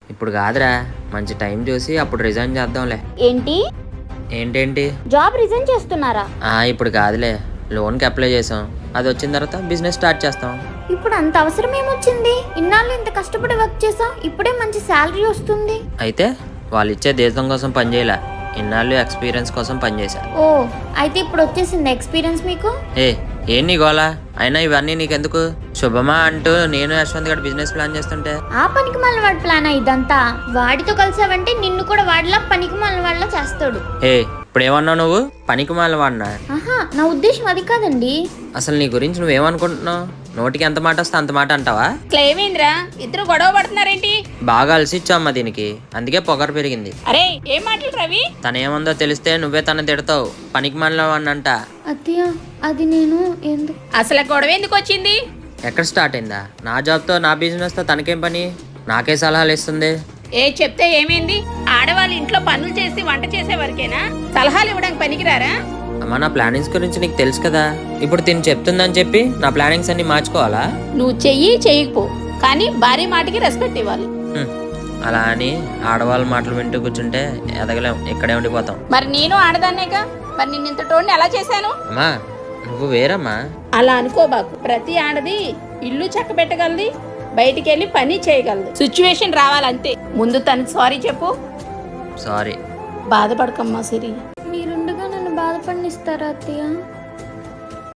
ఇప్పుడు కాదురా, మంచి టైం చూసి అప్పుడు రిజైన్ చేద్దాంలే. ఏంటి? ఏంటేంటి? జాబ్ రిజైన్ చేస్తున్నారా? ఇప్పుడు కాదులే, లోన్కి అప్లై చేసాం, అది వచ్చిన తర్వాత బిజినెస్ స్టార్ట్ చేస్తాం. ఇప్పుడు అంత అవసరం ఏమొచ్చింది? ఇన్నాళ్ళు ఇంత కష్టపడి వర్క్ చేసాం, ఇప్పుడే మంచి శాలరీ వస్తుంది. అయితే వాళ్ళు ఇచ్చే దేశం కోసం పనిచేయలే, ఇన్నాళ్ళు ఎక్స్పీరియన్స్ కోసం పనిచేశా. ఓ, అయితే ఇప్పుడు వచ్చేసింది ఎక్స్పీరియన్స్ మీకు? ఏం నీ గోలా? అయినా ఇవన్నీ నీకెందుకు? శుభమా అంటూ నేను యశ్వంత్ గడ్ బిజినెస్ ప్లాన్ చేస్తుంటే ఆ పనికి మళ్ళీ వాడి ప్లాన్ ఇదంతా. వాడితో కలిసావంటే నిన్ను కూడా వాడిలా పనికి మళ్ళీ వాళ్ళ చేస్తాడు. ఇప్పుడు ఏమన్నావు నువ్వు? పనికి మాల వాడినా? ఆహా, నా ఉద్దేశం అది కాదండి. అసలు నీ గురించి నువ్వేమనుకుంటున్నావు? నోటికి ఎంత మాట వస్తే అంత మాట అంటావా? ఏమైందిరా, ఇద్దరు గొడవ పడుతున్నారేంటి? బాగా అలసిచ్చామ్మా దీనికి, అందుకే పొగరు పెరిగింది. అరే ఏం మాటలు రవి? తనేముందో తెలిస్తే నువ్వే తన తిడతావు, పనికి మాల వాడినంట. అత్తయ్య, అది నేను ఎందుకు? అసలు గొడవ ఎందుకు వచ్చింది? ఎక్కడ స్టార్ట్ అయిందా? నా జాబ్తో నా బిజినెస్తో తనకేం పని? నాకే సలహాలు ఇస్తుంది. చెప్తే ఏమైంది? ఆడవాళ్ళు ఇంట్లో పనులు చేసి వంట చేసే వరకేనా? సలహాలు ఇవ్వడానికి పనికిరారా? అమ్మా, నా ప్లానింగ్స్ గురించి నీకు తెలుసు కదా. ఇప్పుడు తిని చెప్తుందని చెప్పి నా ప్లానింగ్స్ అన్ని మార్చుకోవాలా? నువ్వు చెయ్యకపో, కానీ భార్య మాటకి రెస్పెక్ట్ ఇవ్వాలి. అలా అని ఆడవాళ్ళ మాటలు వింటూ కూర్చుంటే ఎదగలేం, ఇక్కడే ఉండిపోతాం. మరి నేను ఆడదాన్నేగా, మరి నిన్ను ఇంతటోడిని ఎలా చేశాను? అమ్మా నువ్వు వేరమ్మా. అలా అనుకోబాకు. ప్రతి ఆడది ఇల్లు చక్క పెట్టగలది, బయటికి వెళ్ళి పని చేయగలదు. సిచ్యువేషన్ రావాలంతే. ముందు తనకి సారీ చెప్పు. సారీ. బాధపడకమ్మా సిరి. మీరుండగా నన్ను బాధపడినిస్తారా అత్తయ్య?